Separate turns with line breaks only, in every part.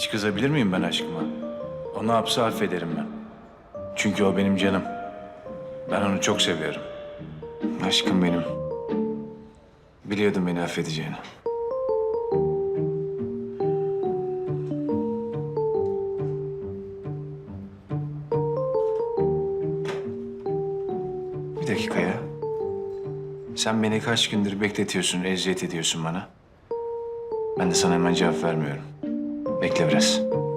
Hiç kızabilir miyim ben aşkıma? O ne yapsa affederim ben. Çünkü o benim canım. Ben onu çok seviyorum. Aşkım benim. Biliyordum beni affedeceğini. Bir dakika ya. Sen beni kaç gündür bekletiyorsun, eziyet ediyorsun bana. Ben de sana hemen cevap vermiyorum. Bekle biraz.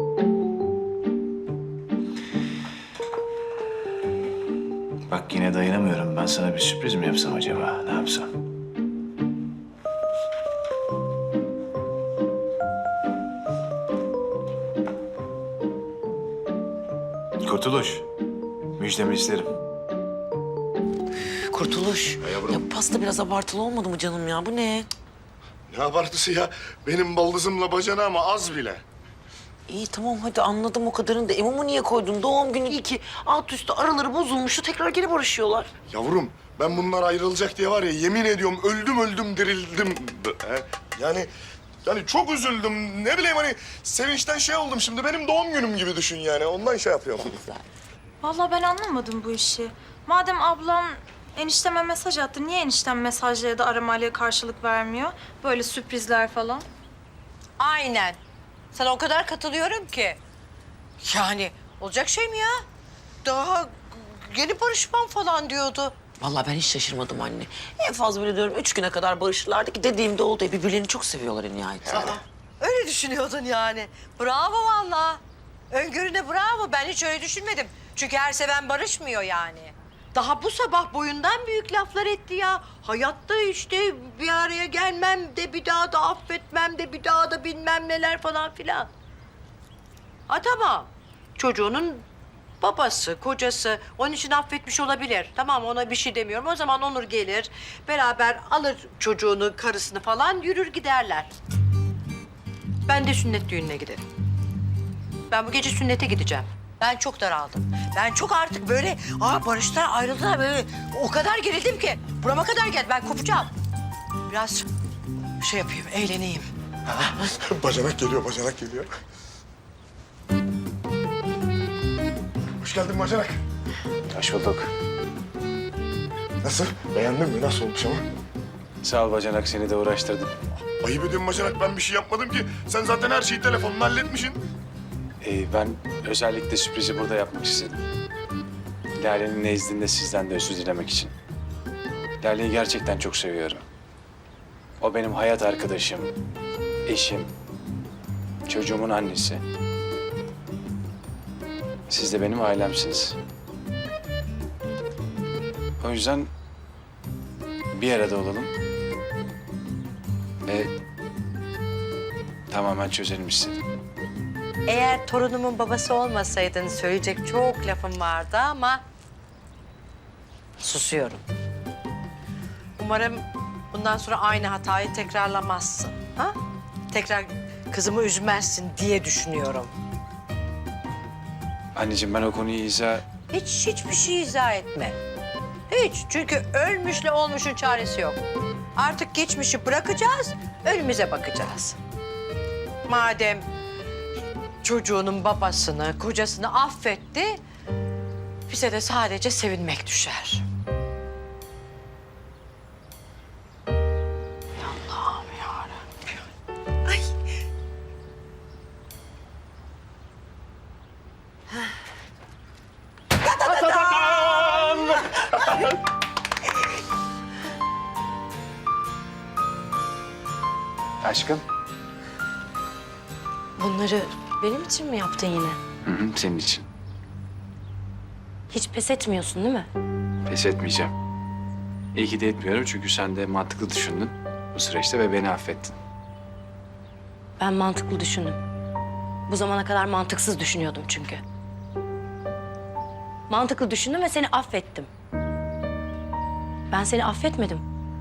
Bak yine dayanamıyorum. Ben sana bir sürpriz mi yapsam acaba? Ne yapsam? Kurtuluş. Müjdemi isterim.
Kurtuluş.
yavrum.
Ya bu pasta biraz abartılı olmadı mı canım ya? Bu ne?
Ne abartısı ya? Benim baldızımla bacanağıma az bile.
İyi tamam hadi anladım o kadarını da. Mumu niye koydun? Doğum günü iyi ki alt üstü araları bozulmuştu. Tekrar geri barışıyorlar.
Yavrum ben bunlar ayrılacak diye var ya yemin ediyorum öldüm dirildim. Yani çok üzüldüm. Ne bileyim hani sevinçten şey oldum şimdi. Benim doğum günüm gibi düşün yani. Ondan şey yapıyorum.
Vallahi ben anlamadım bu işi. Madem ablam enişteme mesaj attı, niye eniştem mesajla ya da aramayla karşılık vermiyor? Böyle sürprizler falan.
Aynen. Sana o kadar katılıyorum ki. Yani olacak şey mi ya? Daha yeni barışmam falan diyordu.
Vallahi ben hiç şaşırmadım anne. En fazla böyle diyorum 3 güne kadar barışırlardı ki dediğimde oldu. Birbirlerini çok seviyorlar en nihayetinde.
Öyle düşünüyordun yani. Bravo vallahi. Öngörüne bravo. Ben hiç öyle düşünmedim. Çünkü her seven barışmıyor yani. Daha bu sabah boyundan büyük laflar etti ya. Hayatta işte bir araya gelmem de bir daha da affetmem de bir daha da bilmem neler falan filan. Ha tamam. Çocuğunun babası, kocası onun için affetmiş olabilir. Tamam ona bir şey demiyorum. O zaman Onur gelir, beraber alır çocuğunu, karısını falan yürür giderler. Ben de sünnet düğününe giderim. Ben bu gece sünnete gideceğim. Ben çok daraldım. Ben çok artık böyle barıştılar, ayrıldılar böyle o kadar gerildim ki burama kadar geldi. Ben kopacağım. Biraz şey yapayım, eğleneyim.
Bacanak geliyor, bacanak geliyor. Hoş geldin bacanak.
Hoş bulduk.
Nasıl? Beğendin mi? Nasıl olmuş ama?
Sağ ol bacanak, seni de uğraştırdım.
Ayıp ediyorum bacanak. Ben bir şey yapmadım ki. Sen zaten her şeyi telefonla halletmişsin.
Ben özellikle sürprizi burada yapmak istedim. Lale'nin nezdinde sizden de özür dilemek için. Lale'yi gerçekten çok seviyorum. O benim hayat arkadaşım, eşim, çocuğumun annesi. Siz de benim ailemsiniz. O yüzden bir arada olalım ve tamamen çözelim istedim.
Eğer torunumun babası olmasaydın söyleyecek çok lafım vardı ama susuyorum. Umarım bundan sonra aynı hatayı tekrarlamazsın. Ha? Tekrar kızımı üzmezsin diye düşünüyorum.
Anneciğim ben o konuyu
Hiçbir şey izah etme. Hiç. Çünkü ölmüşle olmuşun çaresi yok. Artık geçmişi bırakacağız, önümüze bakacağız. Madem çocuğunun babasını, kocasını affetti, bize de sadece sevinmek düşer. Allah'ım yarabbim. Ay.
Aşkım.
Bunları benim için mi yaptın yine?
Senin için.
Hiç pes etmiyorsun değil mi?
Pes etmeyeceğim. İyi ki de etmiyorum çünkü sen de mantıklı düşündün bu süreçte ve beni affettin.
Ben mantıklı düşündüm. Bu zamana kadar mantıksız düşünüyordum çünkü. Mantıklı düşündüm ve seni affettim. Ben seni affetmedim.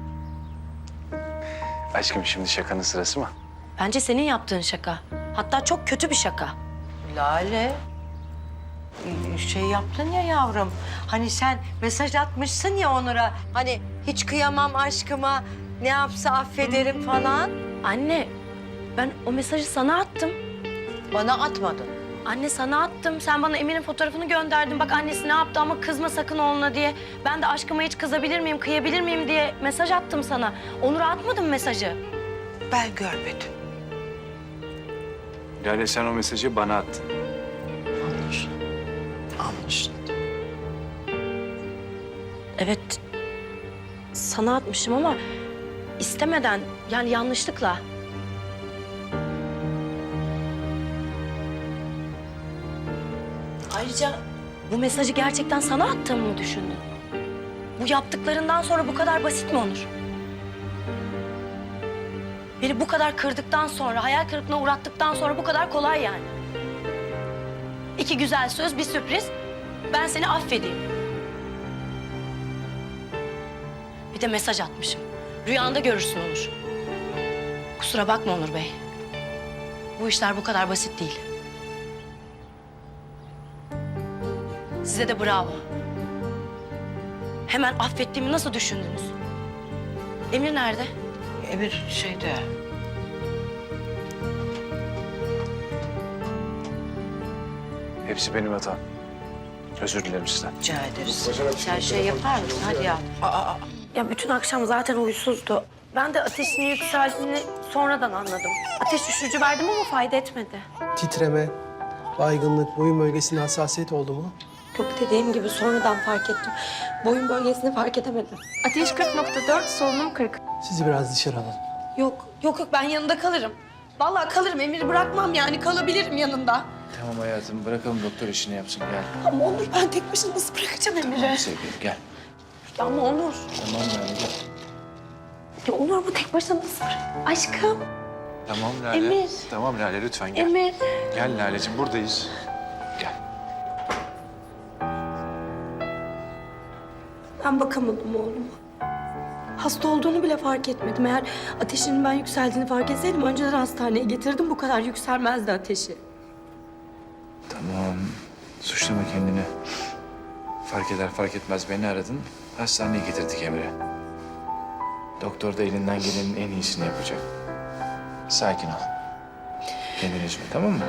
Aşkım şimdi şakanın sırası mı?
Bence senin yaptığın şaka. Hatta çok kötü bir şaka.
Lale, şey yaptın ya yavrum. Hani sen mesaj atmışsın ya Onur'a. Hani hiç kıyamam aşkıma, ne yapsa affederim falan.
Anne, ben o mesajı sana attım.
Bana atmadın.
Anne sana attım. Sen bana Emir'in fotoğrafını gönderdin. Bak annesi ne yaptı ama kızma sakın oğluna diye. Ben de aşkıma hiç kızabilir miyim, kıyabilir miyim diye mesaj attım sana. Onur'a atmadım mesajı.
Ben görmedim.
Lale sen o mesajı bana attın.
Anlaşıldı.
Evet, sana atmışım ama istemeden, yani yanlışlıkla. Ayrıca bu mesajı gerçekten sana attığımı mı düşündün? Bu yaptıklarından sonra bu kadar basit mi Onur? Beni bu kadar kırdıktan sonra, hayal kırıklığına uğrattıktan sonra bu kadar kolay yani. 2 güzel söz, bir sürpriz. Ben seni affedeyim. Bir de mesaj atmışım. Rüyanda görürsün Onur. Kusura bakma Onur Bey. Bu işler bu kadar basit değil. Size de bravo. Hemen affettiğimi nasıl düşündünüz? Emir nerede?
Emir şeyde.
Hepsi benim hatam. Özür dilerim sizden.
Rica ederiz. Sen şey yapar mısın? Hadi ya.
Ya bütün akşam zaten huysuzdu. Ben de ateşinin yükseldiğini sonradan anladım. Ateş düşürücü verdim ama fayda etmedi.
Titreme, baygınlık, boyun bölgesinde hassasiyet oldu mu?
Yok dediğim gibi sonradan fark ettim. Boyun bölgesini fark edemedim.
Ateş 40.4, solunum 40.
Sizi biraz dışarı alalım.
Yok ben yanında kalırım. Vallahi kalırım, Emir'i bırakmam yani kalabilirim yanında.
Tamam hayatım bırakalım doktor işini yapsın gel.
Ama Onur ben tek başına nasıl bırakacağım Emir'i?
Sevgilim gel.
Ya ama Onur.
Tamam Lale gel.
Ya Onur bu tek başına nasıl bırak? Aşkım.
Tamam Lale.
Emir.
Tamam Lale lütfen gel.
Emir.
Gel Lale'ciğim buradayız. Gel.
Ben bakamadım oğluma. Hasta olduğunu bile fark etmedim. Eğer ateşinin ben yükseldiğini fark etseydim önceden hastaneye getirdim. Bu kadar yükselmezdi ateşi.
Tamam. Suçlama kendini. Fark eder fark etmez beni aradın. Hastaneye getirdik Emre. Doktor da elinden gelenin en iyisini yapacak. Sakin ol. Kendini üzme tamam mı?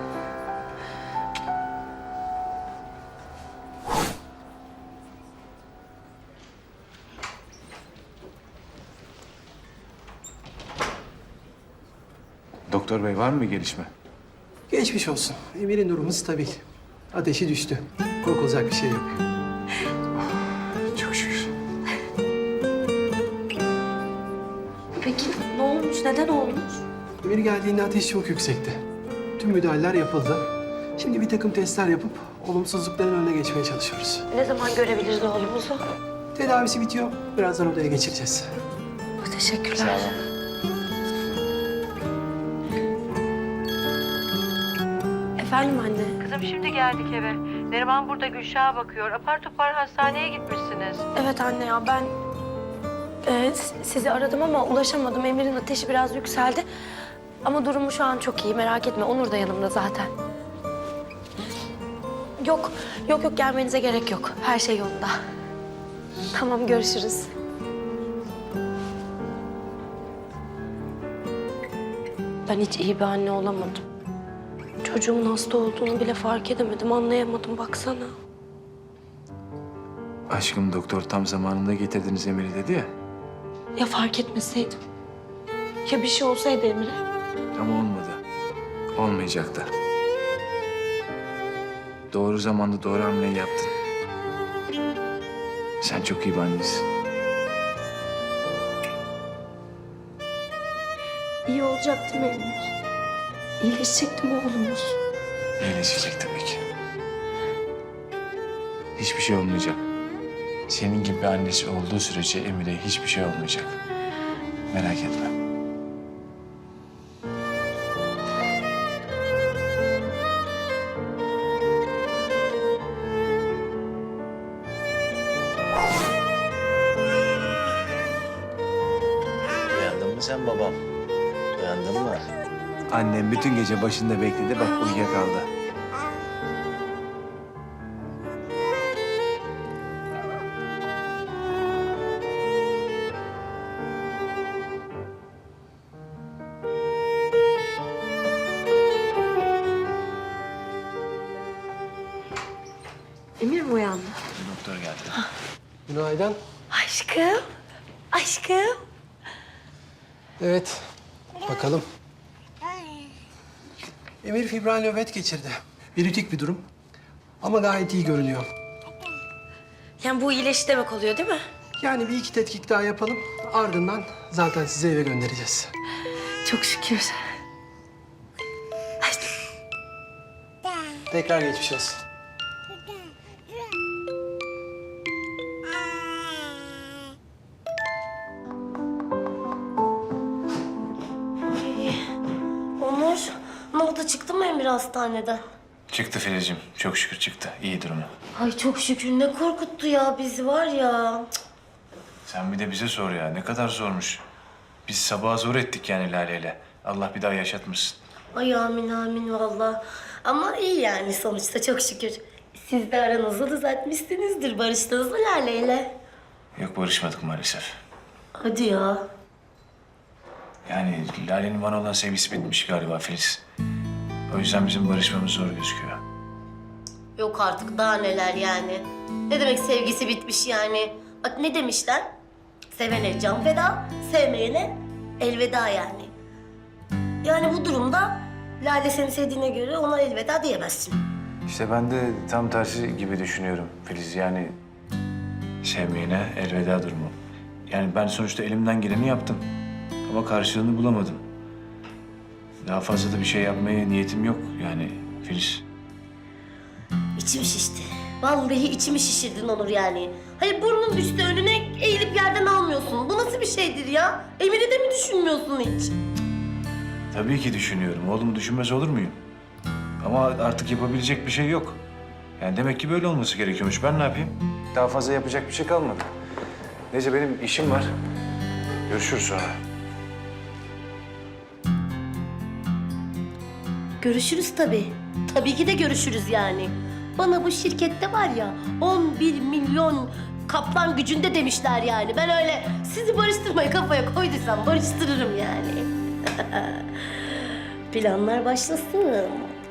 Doktor bey var mı bir gelişme?
Geçmiş olsun. Emir'in durumu stabil. Ateşi düştü. Korkulacak bir şey yok.
Çok şükür.
Peki ne olmuş? Neden olmuş?
Emir geldiğinde ateş çok yüksekti. Tüm müdahaleler yapıldı. Şimdi bir takım testler yapıp olumsuzlukların önüne geçmeye çalışıyoruz.
Ne zaman görebiliriz oğlumuzu?
Tedavisi bitiyor. Birazdan odaya geçireceğiz.
Teşekkürler.
Sağ olun.
Efendim anne.
Kızım şimdi geldik eve. Neriman burada Gülşah'a bakıyor. Apar topar hastaneye gitmişsiniz.
Evet anne ya ben sizi aradım ama ulaşamadım. Emir'in ateşi biraz yükseldi. Ama durumu şu an çok iyi merak etme. Onur da yanımda zaten. Yok gelmenize gerek yok. Her şey yolunda. Tamam görüşürüz. Ben hiç iyi bir anne olamadım. Çocuğumun hasta olduğunu bile fark edemedim, anlayamadım baksana.
Aşkım doktor tam zamanında getirdiniz Emir'i dedi ya.
Ya fark etmeseydim? Ya bir şey olsaydı Emre?
Ama olmadı. Olmayacak da. Doğru zamanda doğru hamleyi yaptın. Sen çok iyi bir annesin.
İyi olacak değil mi Emir? İyileşecek değil mi oğlumuz?
İyileşecek tabii ki. Hiçbir şey olmayacak. Senin gibi bir annesi olduğu sürece Emir'e hiçbir şey olmayacak. Merak etme.
Uyandın mı sen babam? Uyandın mı?
Annem bütün gece başında bekledi, bak uyuyakaldı.
Günaydın.
Aşkım. Aşkım.
Evet, bakalım. Emir fibral nöbet geçirdi. Virütik bir durum. Ama gayet iyi görünüyor.
Yani bu iyileşti demek oluyor değil mi?
Yani bir iki tetkik daha yapalım. Ardından zaten sizi eve göndereceğiz.
Çok şükür.
Tekrar geçmiş olsun.
Onur, ne oldu? Çıktı mı Emir hastaneden?
Çıktı Filizciğim. Çok şükür çıktı. İyi durumu.
Ay çok şükür. Ne korkuttu ya bizi var ya.
Sen bir de bize sor ya. Ne kadar zormuş. Biz sabaha zor ettik yani Lale'yle. Allah bir daha yaşatmasın.
Ay amin amin vallahi. Ama iyi yani sonuçta çok şükür. Siz de aranızı düzeltmişsinizdir. Barıştınız mı Lale'yle?
Yok barışmadık maalesef.
Hadi ya.
Yani Lale'nin bana olan sevgisi bitmiş galiba Filiz. O yüzden bizim barışmamız zor gözüküyor.
Yok artık daha neler yani. Ne demek sevgisi bitmiş yani? Bak ne demişler? Sevene can feda, sevmeyene elveda yani. Yani bu durumda Lale seni sevdiğine göre ona elveda diyemezsin.
İşte ben de tam tersi gibi düşünüyorum Filiz. Yani sevmeyene elveda durumu. Yani ben sonuçta elimden geleni yaptım. Ama karşılığını bulamadım. Daha fazla da bir şey yapmaya niyetim yok yani Filiz.
İçim şişti. Vallahi içimi şişirdin Onur yani. Hayır burnun düştü önüne eğilip yerden almıyorsun. Bu nasıl bir şeydir ya? Emir'i de mi düşünmüyorsun hiç?
Tabii ki düşünüyorum. Oğlumu düşünmez olur muyum? Ama artık yapabilecek bir şey yok. Yani demek ki böyle olması gerekiyormuş. Ben ne yapayım? Daha fazla yapacak bir şey kalmadı. Neyse benim işim var. Görüşürüz sonra.
Görüşürüz tabii. Tabii ki de görüşürüz yani. Bana bu şirkette var ya 11 milyon kaplan gücünde demişler yani. Ben öyle sizi barıştırmayı kafaya koyduysam barıştırırım yani. Planlar başlasın.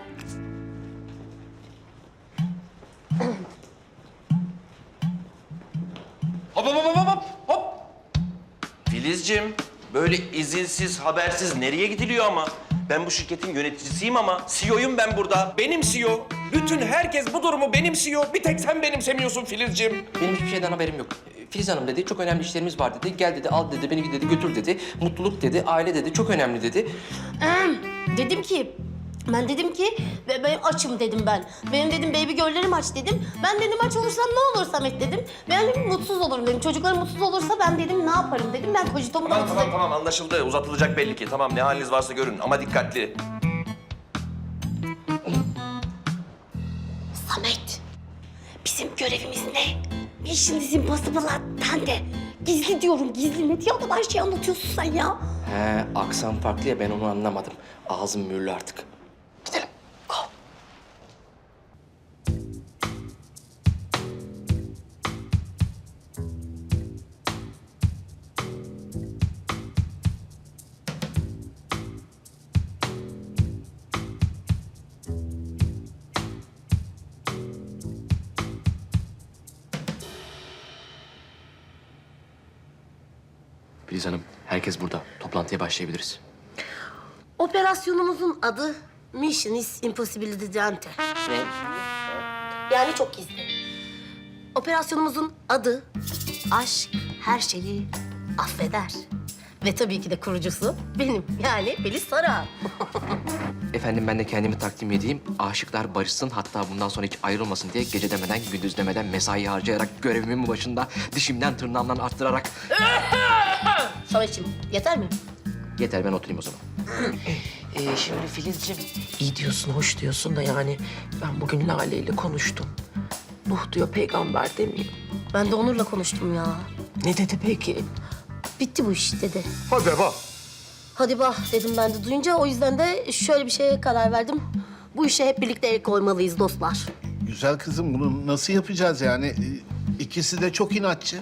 Hop hop hop hop hop hop. Filizciğim, böyle izinsiz, habersiz nereye gidiliyor ama? Ben bu şirketin yöneticisiyim ama CEO'yum ben burada.
Benim CEO. Bütün herkes bu durumu benimsiyor. Bir tek sen benimsemiyorsun Filizciğim.
Benim hiçbir şeyden haberim yok. Filiz Hanım dedi, çok önemli işlerimiz var dedi. Gel dedi, al dedi, beni dedi, götür dedi. Mutluluk dedi, aile dedi, çok önemli dedi.
Dedim ki, ben açım dedim ben. Benim dedim baby girl'lerim aç dedim. Ben dedim aç olursam ne olur Samet dedim. Ben dedim mutsuz olurum dedim. Çocuklarım mutsuz olursa ben dedim ne yaparım dedim. Ben kocitomu da mutsuz ederim.
Tamam anlaşıldı. Uzatılacak belli ki. Tamam ne haliniz varsa görün ama dikkatli.
Samet, bizim görevimiz ne? Mission is impossible ben de. Gizli diyorum, gizli. Ne diye adam her şeyi anlatıyorsun sen ya?
He, aksan farklı ya, ben onu anlamadım. Ağzım mühürlü artık.
Gidelim. Go.
Filiz Hanım, herkes burada. Toplantıya başlayabiliriz.
Operasyonumuzun adı Mission is Impossible Dante. Yani çok gizli. Operasyonumuzun adı Aşk Her Şeyi Affeder. Ve tabii ki de kurucusu benim yani Filiz Saran.
Efendim ben de kendimi takdim edeyim. Aşıklar barışsın, hatta bundan sonra hiç ayrılmasın diye gece demeden, gündüz demeden mesai harcayarak görevimin başında dişimden tırnağımdan arttırarak...
Sametciğim yeter mi?
Yeter, ben oturayım o zaman.
Şimdi Filizciğim iyi diyorsun, hoş diyorsun da yani ben bugün Lale ile konuştum. Nuh diyor peygamber demiyor.
Ben de Onur'la konuştum ya.
Ne dedi peki?
Bitti bu iş dedi.
Hadi bak.
Hadi bah dedim ben de duyunca. O yüzden de şöyle bir şeye karar verdim. Bu işe hep birlikte el koymalıyız dostlar.
Güzel kızım, bunu nasıl yapacağız yani? İkisi de çok inatçı.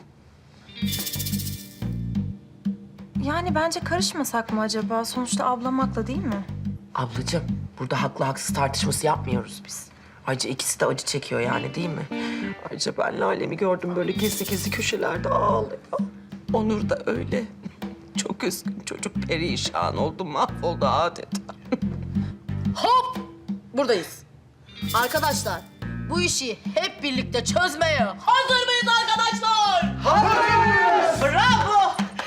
Yani bence karışmasak mı acaba? Sonuçta ablam haklı değil mi?
Ablacığım burada haklı haksız tartışması yapmıyoruz biz. Ayrıca ikisi de acı çekiyor yani değil mi? Ayrıca ben Lale'mi gördüm böyle gizli gizli köşelerde ağlıyor. Onur da öyle. Çok üzgün çocuk, perişan oldu, mahvoldu adeta.
Hop! Buradayız. Arkadaşlar, bu işi hep birlikte çözmeye hazır mıyız arkadaşlar? Hazırız! Bravo!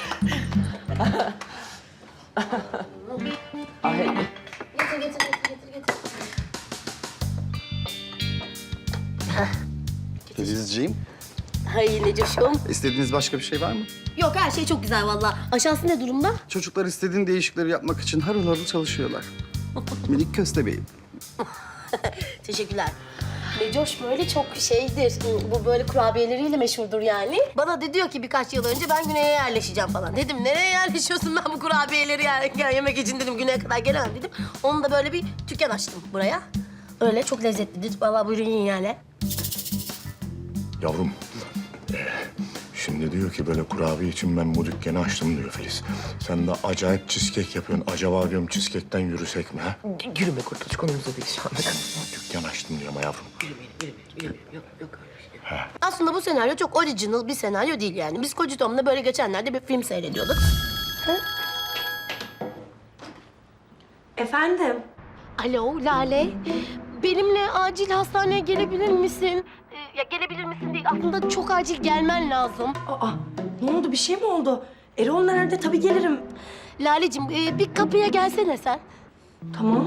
Ay,
Getir.
Filizciğim,
Hay Necoş'um.
istediğiniz başka bir şey var mı?
Yok, her şey çok güzel vallahi. Aşağısı ne durumda?
Çocuklar istediğin değişikleri yapmak için harıl harıl çalışıyorlar. Minik köstebeğim.
Teşekkürler. Necoş böyle çok şeydir. Bu böyle kurabiyeleriyle meşhurdur yani. Bana da diyor ki birkaç yıl önce ben güneye yerleşeceğim falan. Dedim nereye yerleşiyorsun, ben bu kurabiyeleri yemek için dedim, güneye kadar gelemem dedim. Onun da böyle bir dükkan açtım buraya. Öyle çok lezzetlidir. Vallahi buyurun yiyin yani.
Yavrum, şimdi diyor ki böyle kurabiye için ben bu dükkanı açtım diyor Filiz. Sen de acayip cheesecake yapıyorsun. Acaba diyorum cheesecake'ten yürüsek mi ha?
yürüme kurtuluş, konumuza değil şu anda.
Dükkan açtım diyor ama yavrum.
Aslında bu senaryo çok original bir senaryo değil yani. Biz Kocatom'da böyle geçenlerde bir film seyrediyorduk.
Efendim?
Alo Lale, benimle acil hastaneye gelebilir misin? Ya gelebilir misin değil, aslında çok acil gelmen lazım.
Aa, ne oldu? Bir şey mi oldu? Erol nerede? Tabii gelirim.
Laleciğim, bir kapıya gelsene sen.
Tamam.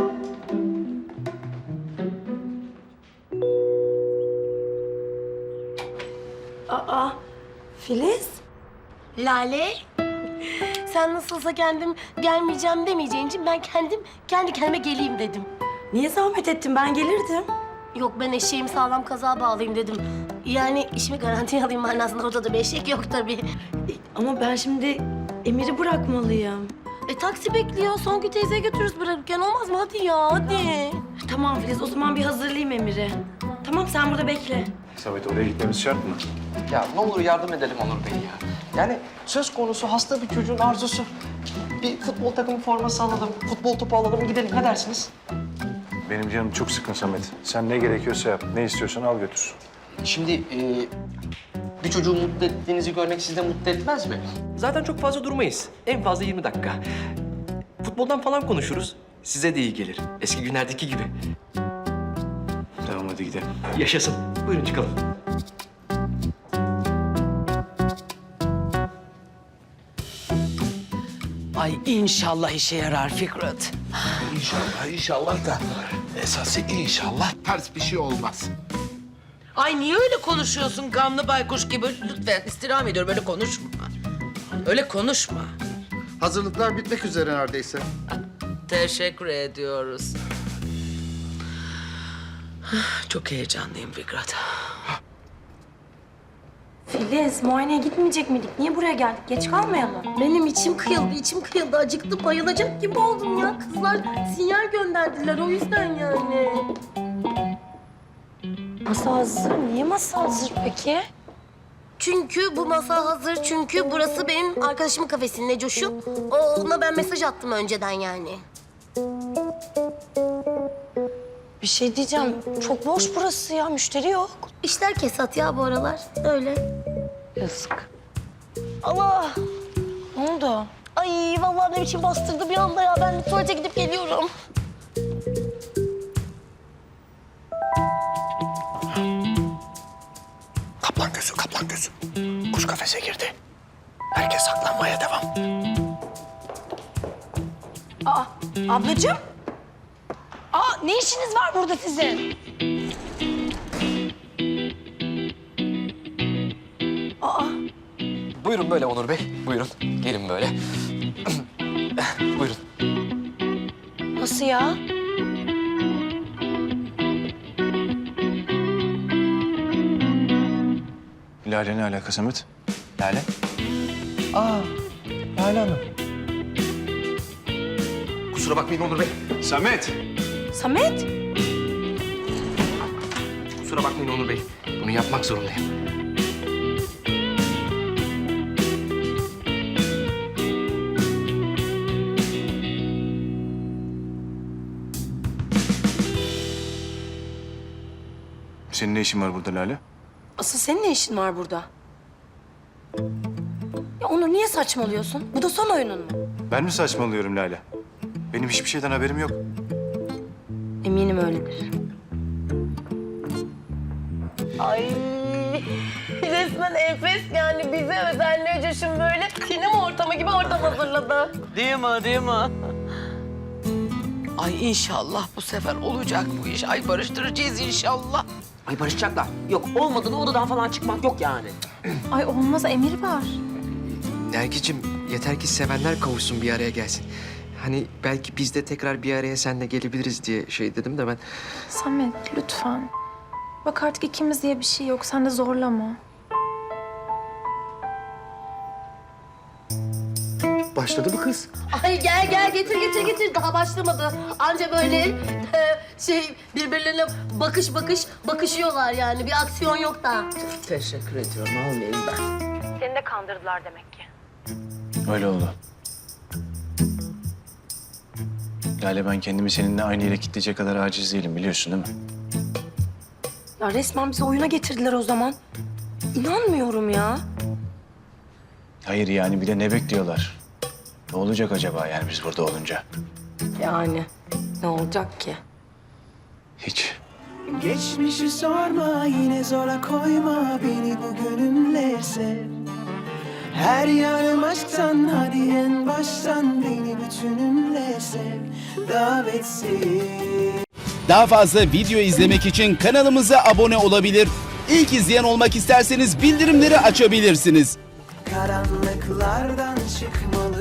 Aa, Filiz?
Lale, sen nasılsa kendim gelmeyeceğim demeyeceğin için ben kendi kendime geleyim dedim.
Niye zahmet ettin? Ben gelirdim.
Yok, ben eşeğimi sağlam kazağa bağlayayım dedim. Yani işimi garantiye alayım manasında, ortada bir eşek yok tabii.
Ama ben şimdi Emir'i bırakmalıyım.
Taksi bekliyor. Songül teyzeye götürürüz bırakırken, olmaz mı? Hadi ya, hadi.
Tamam Filiz, o zaman bir hazırlayayım Emir'i. Tamam, sen burada bekle.
Samet, oraya gitmemiz şart mı?
Ya ne olur yardım edelim Onur Bey ya. Yani söz konusu hasta bir çocuğun arzusu. Bir futbol takımı forması alalım, futbol topu alalım, gidelim. Ne dersiniz?
Benim canım çok sıkın Samet. Sen ne gerekiyorsa yap. Ne istiyorsan al götür.
Şimdi bir çocuğu mutlu ettiğinizi görmek sizi de mutlu etmez mi? Zaten çok fazla durmayız. En fazla 20 dakika. Futboldan falan konuşuruz. Size de iyi gelir. Eski günlerdeki gibi.
Tamam, hadi gidelim.
Yaşasın. Buyurun çıkalım.
Ay inşallah işe yarar Fikret.
İnşallah da esası inşallah ters bir şey olmaz.
Ay niye öyle konuşuyorsun gamlı baykuş gibi? Lütfen istirham ediyorum, öyle konuşma. Öyle konuşma.
Hazırlıklar bitmek üzere neredeyse.
Teşekkür ediyoruz. Çok heyecanlıyım Fikret.
Filiz, muayeneye gitmeyecek miydik? Niye buraya geldik? Geç kalmayalım.
Benim içim kıyıldı. Acıktım, bayılacak gibi oldum ya. Kızlar sinyal gönderdiler, o yüzden yani.
Masa hazır. Niye masa hazır peki?
Çünkü bu masa hazır, çünkü burası benim arkadaşımın kafesi Necoş'um. Ona ben mesaj attım önceden yani.
Bir şey diyeceğim. Çok boş burası ya. Müşteri yok.
İşler kesat ya bu aralar, öyle.
Yazık.
Allah!
Ne oldu?
Ay vallahi ne biçim bastırdı bir anda ya. Ben tuvalete gidip geliyorum.
Kaplan gözü. Kuş kafese girdi. Herkes saklanmaya devam.
Ablacığım? Ne işiniz var burada sizin?
Buyurun böyle Onur Bey. Buyurun. Gelin böyle. Buyurun.
Nasıl ya?
Lale ne alaka Samet?
Lale. Lale Hanım. Kusura bakmayın Onur Bey.
Samet!
Samet?
Kusura bakmayın Onur Bey. Bunu yapmak zorundayım.
Senin ne işin var burada Lale?
Asıl senin ne işin var burada? Ya Onur niye saçmalıyorsun? Bu da son oyunun mu?
Ben mi saçmalıyorum Lale? Benim hiçbir şeyden haberim yok.
Eminim öyledir.
Ay resmen enfes yani bize özel Necoş'un böyle sinema ortamı gibi ortam hazırladı.
Değil mi, değil mi? Ay inşallah bu sefer olacak bu iş. Ay barıştıracağız inşallah.
Ay barışacaklar. Yok olmadı da odadan falan çıkmak yok yani.
Ay olmaz, emir var.
Nergicim yeter ki sevenler kavuşsun bir araya gelsin. Hani belki biz de tekrar bir araya seninle gelebiliriz diye şey dedim de ben.
Samet lütfen. Bak artık ikimiz diye bir şey yok. Sen de zorlama.
Başladı mı kız?
Ay gel getir daha başlamadı. Anca böyle birbirlerine bakışıyorlar yani bir aksiyon yok da.
Teşekkür ediyorum. Almayayım ben.
Seni de kandırdılar demek ki.
Öyle oldu. Lale ben kendimi seninle aynı yere kilitleyecek kadar aciz değilim biliyorsun değil mi?
Ya resmen bizi oyuna getirdiler o zaman. İnanmıyorum ya.
Hayır yani bir de ne bekliyorlar? Ne olacak acaba yani biz burada olunca?
Yani ne olacak ki?
Hiç.
Geçmişi sorma, yine zora koyma beni bugünümle sev. Her yanım aşktan, hadi en baştan beni bütünümle sev. Davetsiz.
Daha fazla video izlemek için kanalımıza abone olabilir. İlk izleyen olmak isterseniz bildirimleri açabilirsiniz.
Karanlıklardan çıkmalı.